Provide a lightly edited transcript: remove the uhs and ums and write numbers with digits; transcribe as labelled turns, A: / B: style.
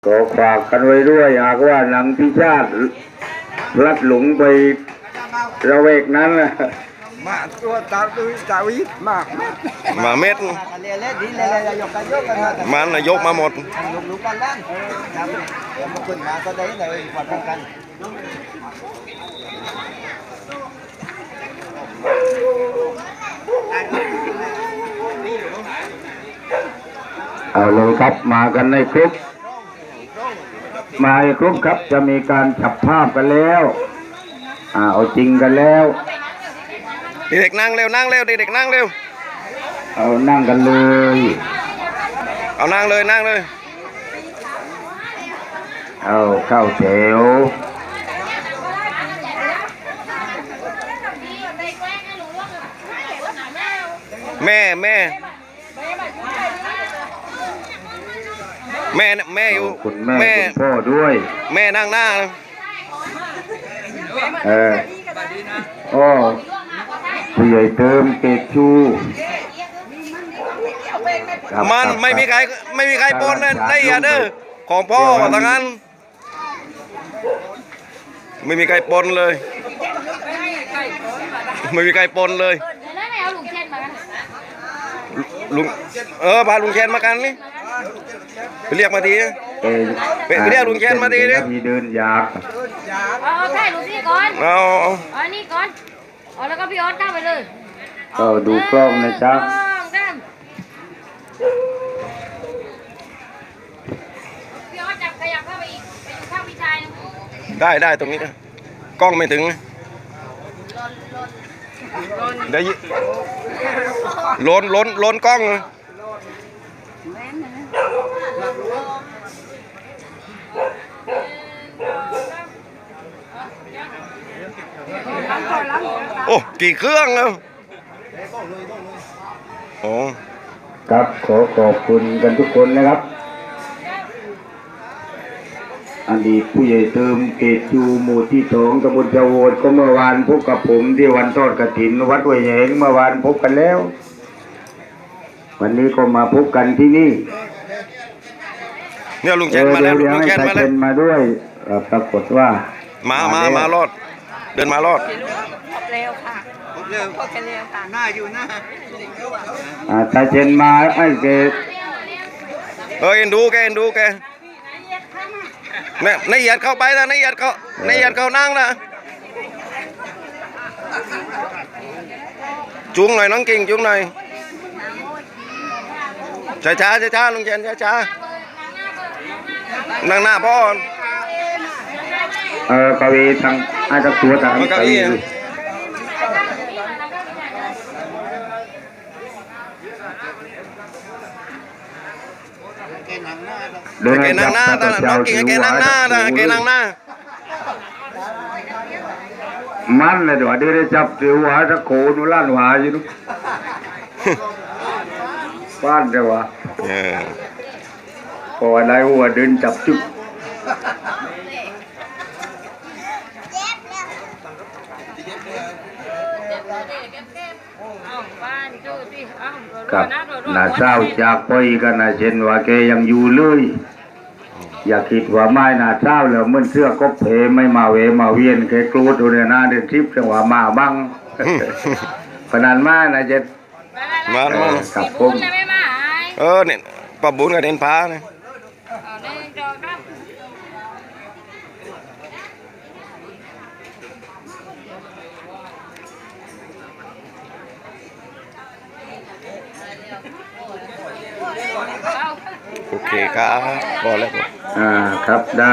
A: ก็ฝากกันไว้ด้วยหากว่าหนังพิชาติลัดหลงไประเวกนั้นนะ
B: มาตัวตาวิ
C: มาเม็ดมันนายกมาหมด
B: ลูกกันล้านมาขึ้นมาก็ได้เลยกอดกัน
A: เอาเลยครับมากันในครบมาให้ครบครับจะมีการจับภาพกันแล้วเอาจริงกันแล้ว
C: เด็กนั่งเร็วนั่งเร็วเด็กนั่งเร็ว
A: เอานั่งกันเลย
C: เอานั่งเลยนั่งเลย
A: เอาเข้าแถว
C: แม่แม่อยู่
A: คุณแม่คุณพ่อด้วย
C: แม่นั่งหน้า
A: โอ้ผู้ใหญ่เติมเกตชู
C: มันไม่มีใครปนเลยได้อย่าเด้อของพ่อทางนั้นไม่มีใครปนเลยไม่มีใครปนเลยลุงพาลุงเชนมากันนี่ไปเรียกมาทีไปเรียกลุงเชนมาทีดิ
A: มีเดินอยาก
D: ใช่ลุงพี่ก่อน
C: เอา
D: นี่ก่อนแล้วก็พี่ออสตั้งไปเลย
A: ก็ดูกล้องนะจ๊ะ
D: พี่ออสจับขยับเข้าไปอีกไปอยู่ข้างพี่ชาย
C: ได้ตรงนี้กล้องไม่ถึงได้ล้นกล้องโอ้กี่เครื่องแล้วโอ้
A: ครับขอบคุณกันทุกคนนะครับอดีตผู้ใหญ่เติมเกตจูหมู่ที่2ตำบลเจ้าโวดก็เมื่อวานพบกับผมที่วันทอดกฐินวัดห้วยแหงเมื่อวานพบกันแล้ววันนี้ก็มาพบกันที่นี่
C: เนี่ยลุงเชนมาแล้วลุงเชน
A: มาด้วยปรากฏว่าม
C: ารอดเดินมารอด
D: เร็วค่ะเร็วพ่อแกเร็วค่ะ
B: หน้าอยู่หน้า
A: ตาเชนมาไอ้เกต
C: เอ็นดูแกเนี่ยนายเหยียดเข้าไปนะนายเหยียดเข้านั่งนะจุงหน่อยน้องกิ่งจุงหน่อยช้าลุงเชนช้านั่งหน้าพ่
A: อกวีทางอาจจะตัวทาง
C: กวี
A: เดินนั่งหน้า
C: น้องกิ่งแกนั่งหน้า
A: มันเลยเดี๋ยวเดินจับเสือหัวจะโขนุล้านหัวอยู่นุ๊กบ้านเดี๋ยวพออะไรหัวเดินจับจุ๊บครับน่าเศร้าจากไปกันนะเช่นว่าแกยังอยู่เลยอย่าคิดว่าไม่น่าเศร้าแล้วเมื่อเสื้อก็เพไม่มาเวมาเวียนแกกลัวตัวเนี่ยนะเดินทริปจังหวะมาบ้างพนันมานะเจ็ด
C: มา
A: ครับผม
C: เนี่ยปะบุญกับเด่นพาเนี่ยโอเคครับพอแล้ว
A: ครับได้